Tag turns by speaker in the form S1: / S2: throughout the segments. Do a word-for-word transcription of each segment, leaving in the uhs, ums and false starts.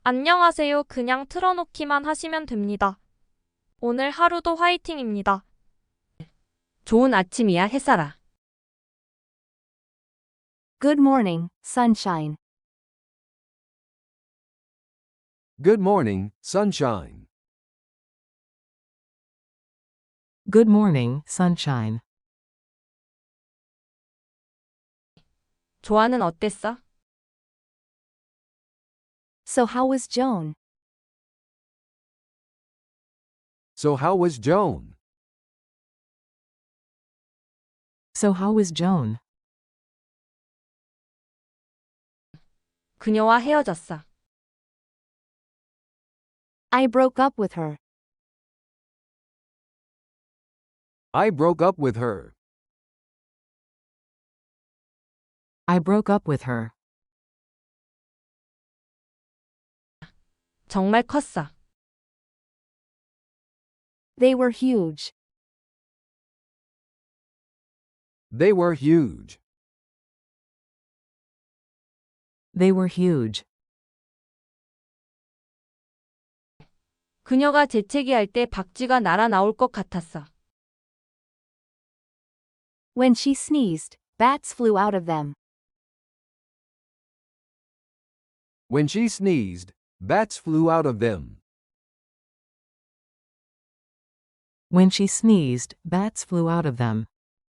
S1: 안녕하세요. 그냥 틀어놓기만 하시면 됩니다. 오늘 하루도 화이팅입니다.
S2: 좋은 아침이야, 햇살아.
S3: Good morning, sunshine.
S4: Good morning, sunshine.
S5: Good morning, sunshine.
S2: 조아는 어땠어?
S3: So how was Joan?
S4: So how was Joan?
S5: So how was Joan?
S2: 그녀와 헤어졌어.
S3: I broke up with her.
S4: I broke up with her.
S5: I broke up with her.
S2: 정말 컸어.
S3: They were huge.
S4: They were huge.
S5: They were huge.
S2: 그녀가 재채기할 때 박쥐가 날아 나올 것 같았어.
S3: When she sneezed, bats flew out of them.
S4: When she sneezed, bats flew out of them.
S5: When she sneezed, bats flew out of them.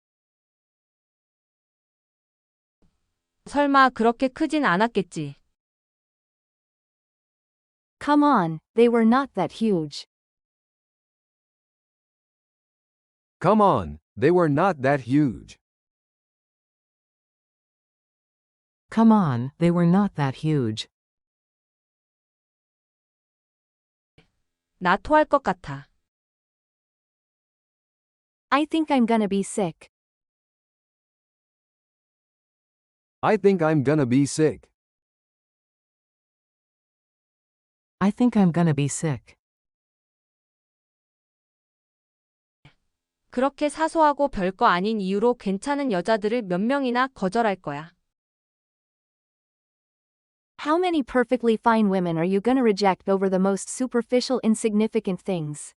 S2: 설마 그렇게 크진 않았겠지.
S3: Come on, they were not that huge.
S4: Come on, they were not that huge.
S5: Come on, they were not that huge.
S2: 나 토할 것 같아.
S3: I think I'm gonna be sick.
S4: I think I'm gonna be sick.
S5: I think I'm gonna be sick.
S2: 그렇게 사소하고 별거 아닌 이유로 괜찮은 여자들을 몇 명이나 거절할 거야.
S3: How many perfectly fine women are you gonna reject over the most superficial, insignificant things?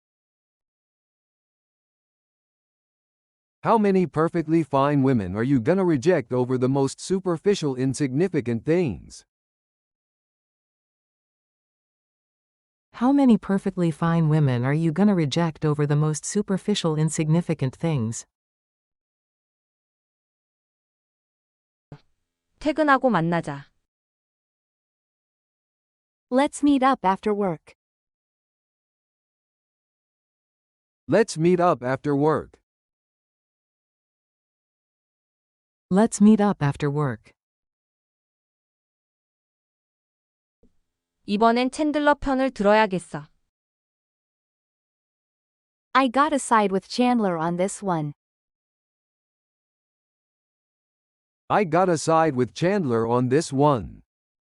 S4: How many perfectly fine women are you gonna reject over the most superficial, insignificant things?
S5: How many perfectly fine women are you gonna reject over the most superficial, insignificant things?
S2: 퇴근하고 만나자.
S3: Let's meet up after work.
S4: Let's meet up after work.
S5: Let's meet up after work.
S2: 이번엔 챈들러 편을 들어야겠어.
S3: I gotta side with Chandler on this one.
S4: I gotta side with Chandler on this one.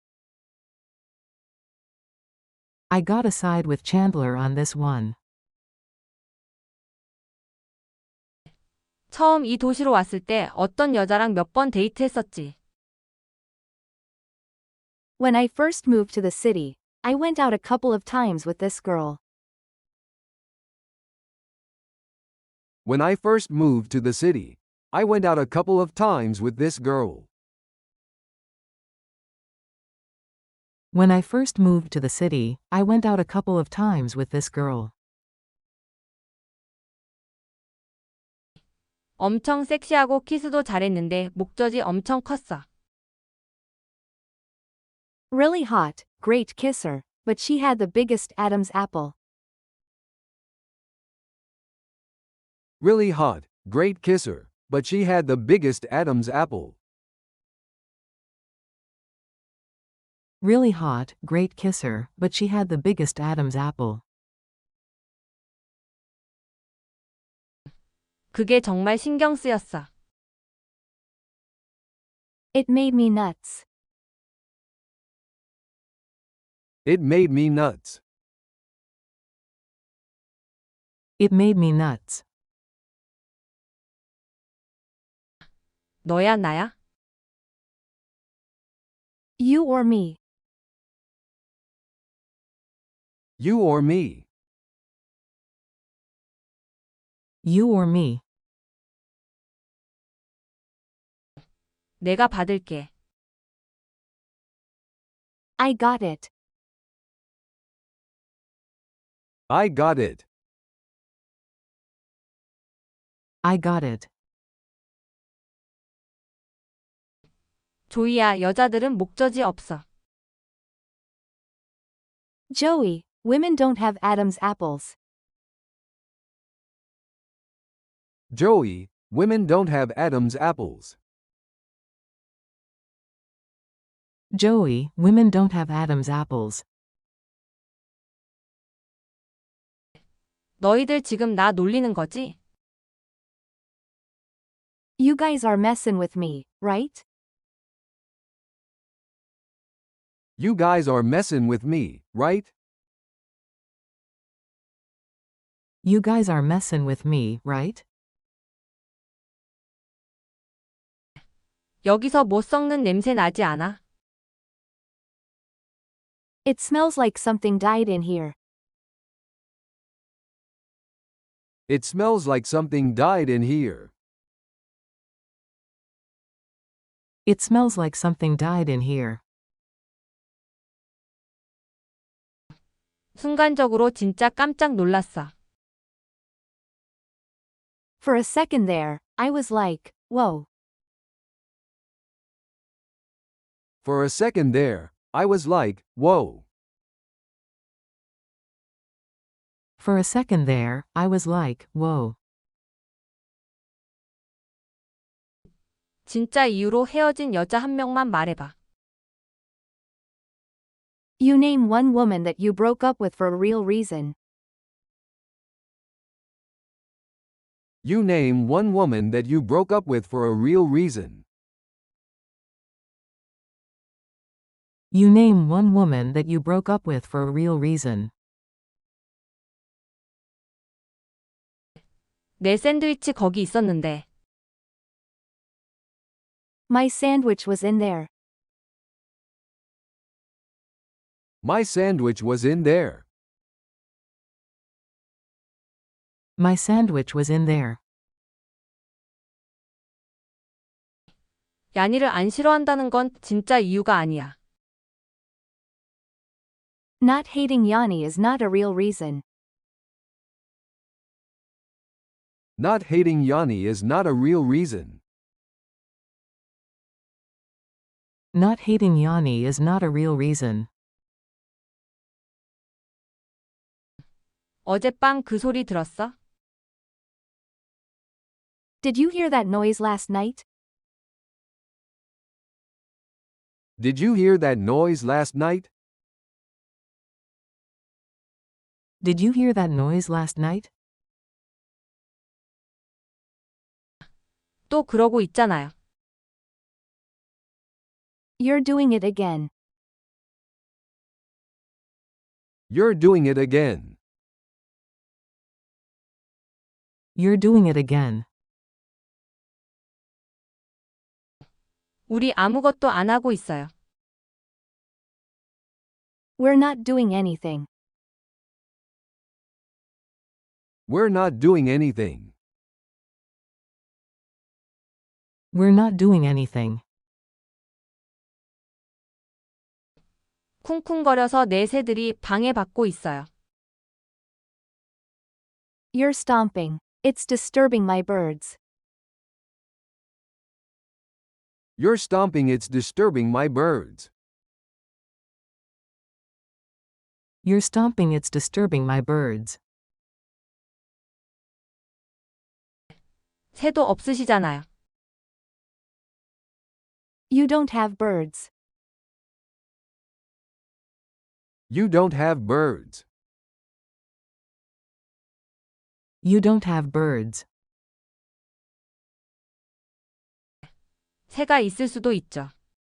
S5: I gotta side with Chandler on this one.
S2: 처음 이 도시로 왔을 때 어떤 여자랑 몇 번 데이트했었지.
S3: When I first moved to the city, I went out a couple of times with this girl.
S4: When I first moved to the city, I went out a couple of times with this girl.
S5: When I first moved to the city, I went out a couple of times with this girl.
S2: 엄청 섹시하고 키스도 잘했는데 목젖이 엄청 컸어.
S3: Really hot, great kisser, but she had the biggest Adam's apple.
S4: Really hot, great kisser, but she had the biggest Adam's apple.
S5: Really hot, great kisser, but she had the biggest Adam's apple.
S2: 그게 정말 신경 쓰였어.
S3: It made me nuts.
S4: It made me nuts.
S5: It made me nuts.
S2: 너야 나야?
S3: You or me.
S4: You or me.
S5: You or me.
S2: 내가 받을게.
S3: I got it.
S4: I got it.
S5: I got it.
S2: 조이야, 여자들은 목젖이 없어.
S3: Joey, women don't have Adam's apples.
S4: Joey, women don't have Adam's apples.
S5: Joey, women don't have Adam's apples.
S2: 너희들 지금 나 놀리는 거지?
S3: You guys are messin' with me, right?
S4: You guys are messing with me, right?
S5: You guys are messin' with me, right?
S2: 여기서 못 썩는 냄새 나지 않아?
S3: It smells like something died in here.
S4: It smells like something died in here.
S5: It smells like something died in here.
S2: 순간적으로 진짜 깜짝 놀랐어.
S3: For a second there, I was like, whoa.
S4: For a second there, I was like, whoa.
S5: For a second there, I was like, whoa.
S2: 진짜 이유로 헤어진 여자 한 명만 말해봐.
S3: You name one woman that you broke up with for a real reason.
S4: You name one woman that you broke up with for a real reason.
S5: You name one woman that you broke up with for a real reason.
S2: 내 샌드위치 거기 있었는데.
S3: My sandwich was in there.
S4: My sandwich was in there.
S5: My sandwich was in there.
S2: 야니를 안 싫어한다는 건 진짜 이유가 아니야.
S3: Not hating Yanni is not a real reason.
S4: Not hating Yanni is not a real reason.
S5: Not hating Yanni is not a real reason.
S2: 어젯밤 그 소리 들었어?
S3: Did you hear that noise last night?
S4: Did you hear that noise last night?
S5: Did you hear that noise last night?
S2: 또 그러고 있잖아요.
S3: You're doing it again.
S4: You're doing it again.
S5: You're doing it again.
S2: 우리 아무것도 안 하고 있어요.
S3: We're not doing anything.
S4: We're not doing anything.
S5: We're not doing anything.
S2: 쿵쿵거려서 내 새들이 방해받고 있어요.
S3: You're stomping. It's disturbing my birds.
S4: You're stomping, it's disturbing my birds.
S5: You're stomping, it's disturbing my birds.
S2: 새도 없으시잖아요.
S3: You don't have birds.
S4: You don't have birds.
S5: You don't have birds.
S2: 새가 있을 수도 있죠.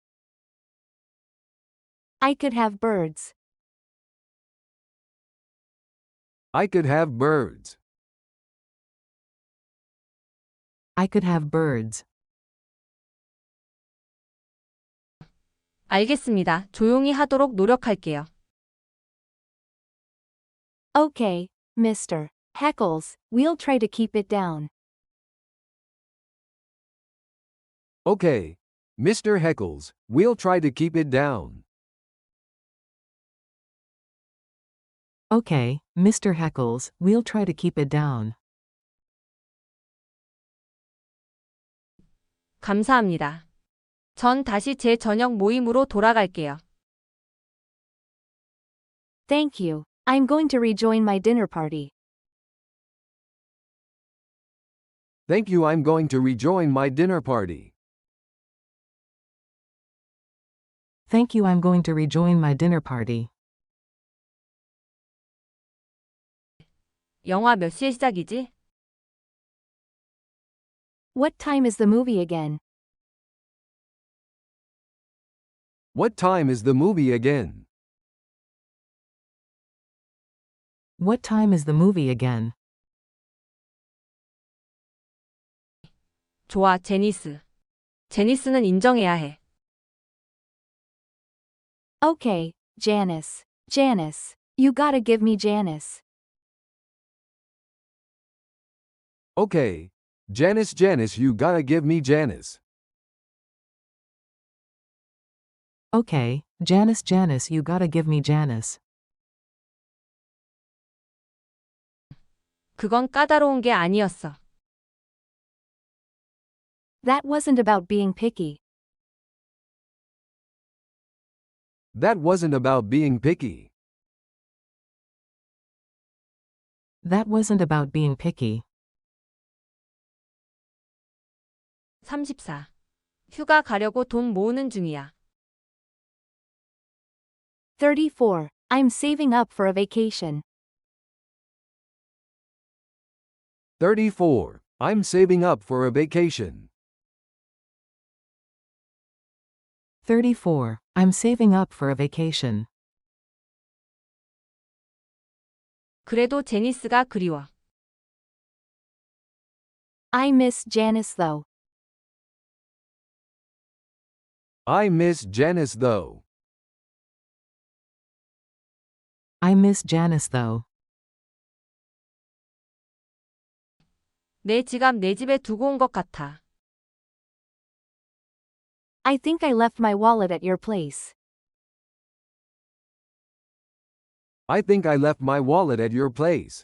S3: I could have birds.
S4: I could have birds.
S5: I could have birds.
S2: 알겠습니다. 조용히 하도록 노력할게요.
S3: Okay, Mister Heckles, we'll try to keep it down.
S4: Okay, Mister Heckles, we'll try to keep it down.
S5: Okay, Mister Heckles, we'll try to keep it down.
S2: 감사합니다. 전 다시 제 저녁 모임으로 돌아갈게요.
S3: Thank you. I'm going to rejoin my dinner party.
S4: Thank you, I'm going to rejoin my dinner party.
S5: Thank you, I'm going to rejoin my dinner party.
S2: 영화 몇 시에 시작이지?
S3: What time is the movie again?
S4: What time is the movie again?
S5: What time is the movie again?
S2: 좋아, 제니스. 제니스는 인정해야 해.
S3: Okay, Janice. Janice. You gotta give me Janice.
S4: Okay, Janice, Janice, you gotta give me Janice.
S5: Okay, Janice, Janice, you gotta give me Janice.
S2: 그건 까다로운 게 아니었어.
S3: That wasn't about being picky.
S4: That wasn't about being picky.
S5: That wasn't about being picky.
S2: 삼십사. 휴가 가려고 돈 모으는 중이야.
S3: thirty-four. I'm saving up for a vacation.
S4: thirty-four. I'm saving up for a vacation.
S5: thirty-four. I'm saving up for a vacation.
S2: 그래도 제니스가 그리워.
S3: I miss Janice though.
S4: I miss Janice though.
S5: I miss Janice though.
S2: 내 지갑 내 집에 두고 온 것 같아.
S3: I think I left my wallet at your place.
S4: I think I left my wallet at your place.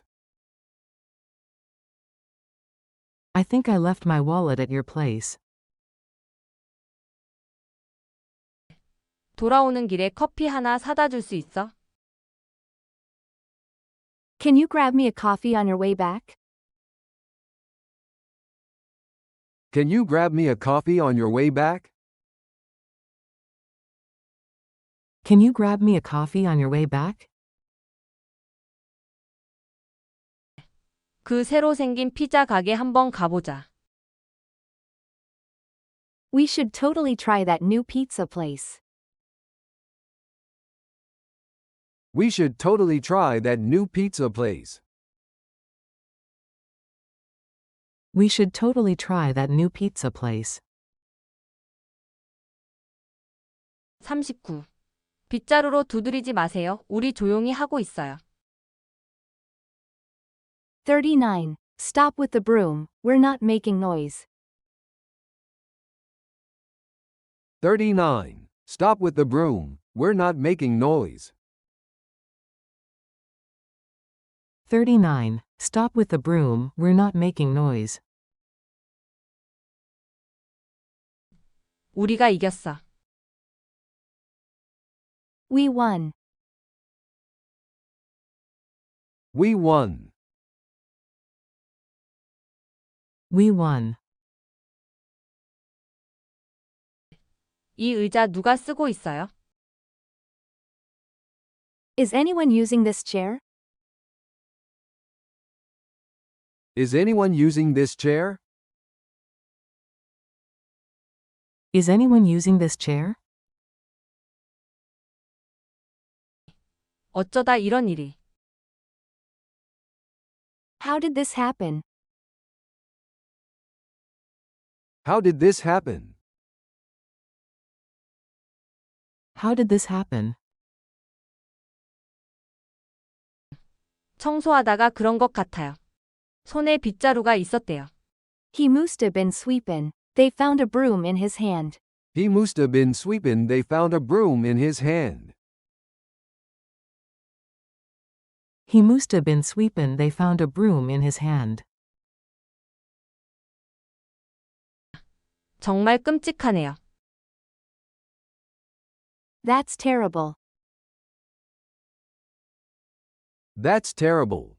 S5: I think I left my wallet at your place.
S2: 돌아오는 길에 커피 하나 사다 줄 수 있어?
S3: Can you grab me a coffee on your way back?
S4: Can you grab me a coffee on your way back?
S5: Can you grab me a coffee on your way back?
S2: 그 새로 생긴 피자 가게 한번 가보자.
S3: We should totally try that new pizza place.
S4: We should totally try that new pizza place.
S5: We should totally try that new pizza place.
S2: 삼십구. 빗자루로 두드리지 마세요. 우리 조용히 하고 있어요.
S3: thirty-nine. Stop with the broom, we're not making noise.
S4: thirty-nine. Stop with the broom, we're not making noise.
S5: thirty-nine. Stop with the broom, we're not making noise.
S2: 우리가 이겼어.
S3: We won.
S4: We won.
S5: We won.
S2: 이 의자 누가 쓰고 있어요?
S3: Is anyone using this chair?
S4: Is anyone using this chair?
S5: Is anyone using this chair?
S2: 어쩌다 이런 일이.
S3: How did this happen?
S4: How did this happen?
S5: How did this happen?
S2: 청소하다가 그런 것 같아요. 손에 빗자루가 있었대요.
S3: He must have been sweepin'. They found a broom in his hand.
S4: He must have been sweeping. They found a broom in his hand.
S5: He must have been sweepin'. They found a broom in his hand.
S2: 정말 끔찍하네요.
S3: That's terrible.
S4: That's terrible.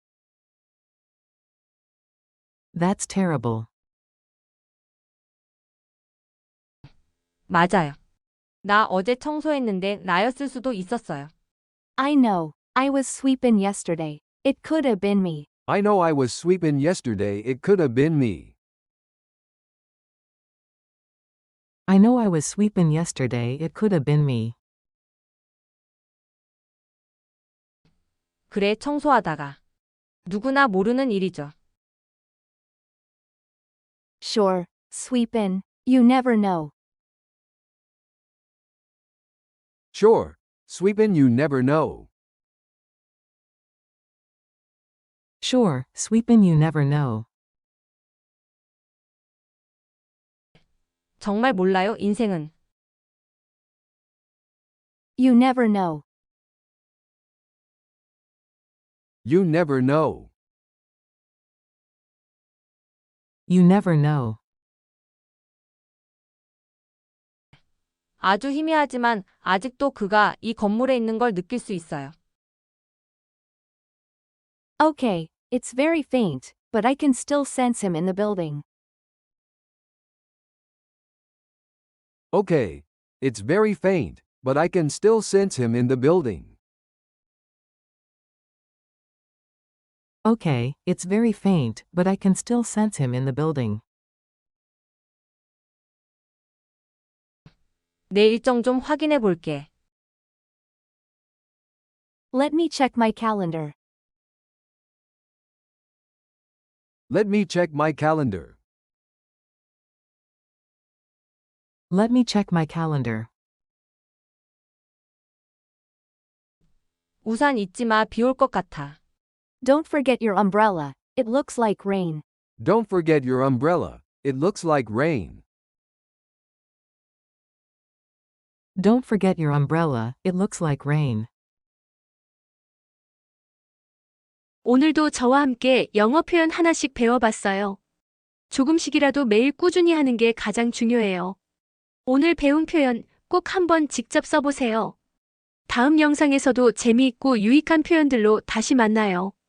S5: That's terrible.
S2: 맞아요. 나 어제 청소했는데 나였을 수도 있었어요.
S3: I know. I was sweepin' yesterday. It could have been me.
S4: I know I was sweeping yesterday. It could have been me.
S5: I know I was sweepin' yesterday. It could have been me.
S2: 그래, 청소하다가. 누구나 모르는 일이죠.
S3: Sure. Sweepin'. You never know.
S4: Sure. Sweeping, you never know.
S5: Sure, sweepin' you never know.
S2: 정말 몰라요, 인생은.
S3: You never know.
S4: You never know.
S5: You never know.
S2: 아주 희미하지만 아직도 그가 이 건물에 있는 걸 느낄 수 있어요.
S3: Okay, it's very faint, but I can still sense him in the building.
S4: Okay. It's very faint, but I can still sense him in the building.
S5: Okay, it's very faint, but I can still sense him in the building.
S2: 내 일정 좀 확인해 볼게.
S3: Let me check my calendar.
S4: Let me check my calendar.
S5: Let me check my calendar.
S2: 우산 잊지 마, 비 올 것 같아.
S3: Don't forget your umbrella. It looks like rain.
S4: Don't forget your umbrella. It looks like rain.
S5: Don't forget your umbrella, it looks like rain.
S6: 오늘도 저와 함께 영어 표현 하나씩 배워봤어요. 조금씩이라도 매일 꾸준히 하는 게 가장 중요해요. 오늘 배운 표현 꼭 한번 직접 써보세요. 다음 영상에서도 재미있고 유익한 표현들로 다시 만나요.